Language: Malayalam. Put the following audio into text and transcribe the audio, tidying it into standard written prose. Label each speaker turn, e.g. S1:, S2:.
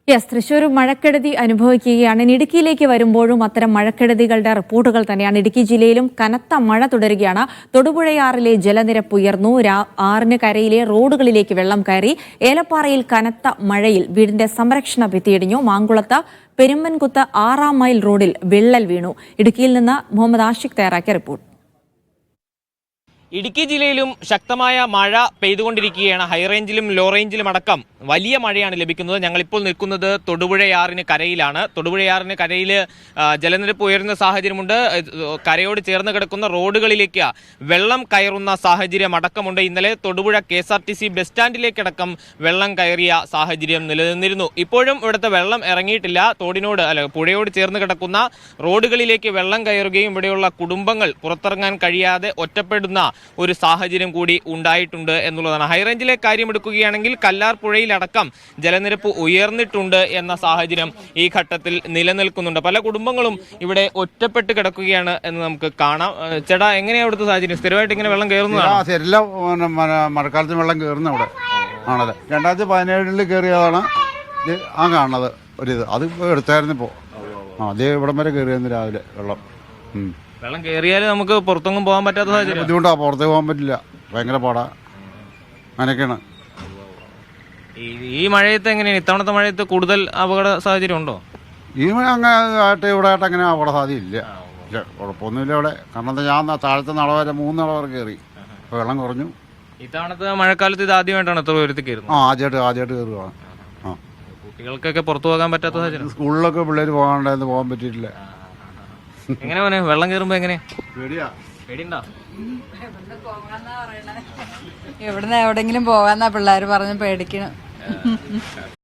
S1: തൃശൂർ മഴക്കെടുതി അനുഭവിക്കുകയാണ്. ഇടുക്കിയിലേക്ക് വരുമ്പോഴും അത്തരം മഴക്കെടുതികളുടെ റിപ്പോർട്ടുകൾ തന്നെയാണ്. ഇടുക്കി ജില്ലയിലും കനത്ത മഴ തുടരുകയാണ്. തൊടുപുഴയാറിലെ ജലനിരപ്പ് ഉയർന്നു. ആറിന് കരയിലെ റോഡുകളിലേക്ക് വെള്ളം കയറി. ഏലപ്പാറയിൽ കനത്ത മഴയിൽ വീടിന്റെ സംരക്ഷണ ഭിത്തിയിടിഞ്ഞു. മാങ്കുളത്ത് പെരുമ്പൻകുത്ത് 6 മൈൽ റോഡിൽ വിള്ളൽ വീണു. ഇടുക്കിയിൽ നിന്ന് മുഹമ്മദ് ആഷിഖ് തയ്യാറാക്കിയ റിപ്പോർട്ട്.
S2: ഇടുക്കി ജില്ലയിലും ശക്തമായ മഴ പെയ്തുകൊണ്ടിരിക്കുകയാണ്. ഹൈറേഞ്ചിലും ലോ റേഞ്ചിലും അടക്കം വലിയ മഴയാണ് ലഭിക്കുന്നത്. ഞങ്ങളിപ്പോൾ നിൽക്കുന്നത് തൊടുപുഴയാറിന് കരയിലാണ്. തൊടുപുഴയാറിന് കരയിൽ ജലനിരപ്പ് ഉയരുന്ന സാഹചര്യമുണ്ട്. കരയോട് ചേർന്ന് കിടക്കുന്ന റോഡുകളിലേക്ക് വെള്ളം കയറുന്ന സാഹചര്യം അടക്കമുണ്ട്. ഇന്നലെ തൊടുപുഴ KSRTC ബസ് സ്റ്റാൻഡിലേക്കടക്കം വെള്ളം കയറിയ സാഹചര്യം നിലനിന്നിരുന്നു. ഇപ്പോഴും ഇവിടുത്തെ വെള്ളം ഇറങ്ങിയിട്ടില്ല. പുഴയോട് ചേർന്ന് കിടക്കുന്ന റോഡുകളിലേക്ക് വെള്ളം കയറുകയും ഇവിടെയുള്ള കുടുംബങ്ങൾ പുറത്തിറങ്ങാൻ കഴിയാതെ ഒറ്റപ്പെടുന്ന ഒരു സാഹചര്യം കൂടി ഉണ്ടായിട്ടുണ്ട് എന്നുള്ളതാണ്. ഹൈറേഞ്ചിലെ കാര്യം എടുക്കുകയാണെങ്കിൽ കല്ലാർ പുഴയിലടക്കം ജലനിരപ്പ് ഉയർന്നിട്ടുണ്ട് എന്ന സാഹചര്യം ഈ ഘട്ടത്തിൽ നിലനിൽക്കുന്നുണ്ട്. പല കുടുംബങ്ങളും ഇവിടെ ഒറ്റപ്പെട്ട് കിടക്കുകയാണ് എന്ന് നമുക്ക് കാണാം. ചേട്ടാ, എങ്ങനെയാണ് അവിടുത്തെ സാഹചര്യം? സ്ഥിരമായിട്ട് ഇങ്ങനെ വെള്ളം കയറുന്നതാണ്?
S3: എല്ലാം മഴക്കാലത്ത് വെള്ളം കയറുന്ന അവിടെ ആണല്ലേ. 2017 കയറിയതാണ് ആ കാണുന്നത്. ഒരിത് അത് എടുത്തായിരുന്നു. ഇപ്പോൾ അതേ ഇവിടം വരെ കയറിയായിരുന്നു രാവിലെ വെള്ളം.
S2: വെള്ളം കയറിയാൽ നമുക്ക് പുറത്തൊന്നും പോകാൻ പറ്റാത്ത സാഹചര്യം.
S3: ബുദ്ധിമുട്ടാ, പുറത്തേക്ക് പോകാൻ പറ്റില്ല, ഭയങ്കര പാടാ. അങ്ങനെയൊക്കെയാണ്.
S2: ഈ മഴയത്ത് എങ്ങനെയാണ്? ഇത്തവണത്തെ മഴയത്ത് കൂടുതൽ അപകട സാഹചര്യം ഉണ്ടോ?
S3: ഈ മഴ അങ്ങനെ ആയിട്ട് ഇവിടെ ആയിട്ട് അങ്ങനെ അപകട സാധ്യതയില്ല. ഇല്ല, കുഴപ്പമൊന്നുമില്ല ഇവിടെ. കാരണം എന്താ, ഞാൻ താഴത്തെ നട വരെ 3 നട വരെ കയറി. അപ്പോൾ വെള്ളം കുറഞ്ഞു.
S2: ഇത്തവണത്തെ മഴക്കാലത്ത് ഇത് ആദ്യമായിട്ടാണ് എത്ര ഉയരത്തിൽ കയറുന്നത്?
S3: ആദ്യമായിട്ട് കയറുകയാണ്.
S2: കുട്ടികൾക്കൊക്കെ പുറത്തു പോകാൻ പറ്റാത്ത സാഹചര്യം.
S3: സ്കൂളിലൊക്കെ പിള്ളേർ പോകാണ്ടായിരുന്നു, പോകാൻ പറ്റിയിട്ടില്ല.
S2: എങ്ങനെ പോനെ? വെള്ളം കയറുമ്പോ എങ്ങനെ
S3: പേടിയുണ്ടോ?
S4: ഇവിടുന്ന് എവിടെങ്കിലും പോകാന്നാ പിള്ളേര് പറഞ്ഞ് പേടിക്കണം.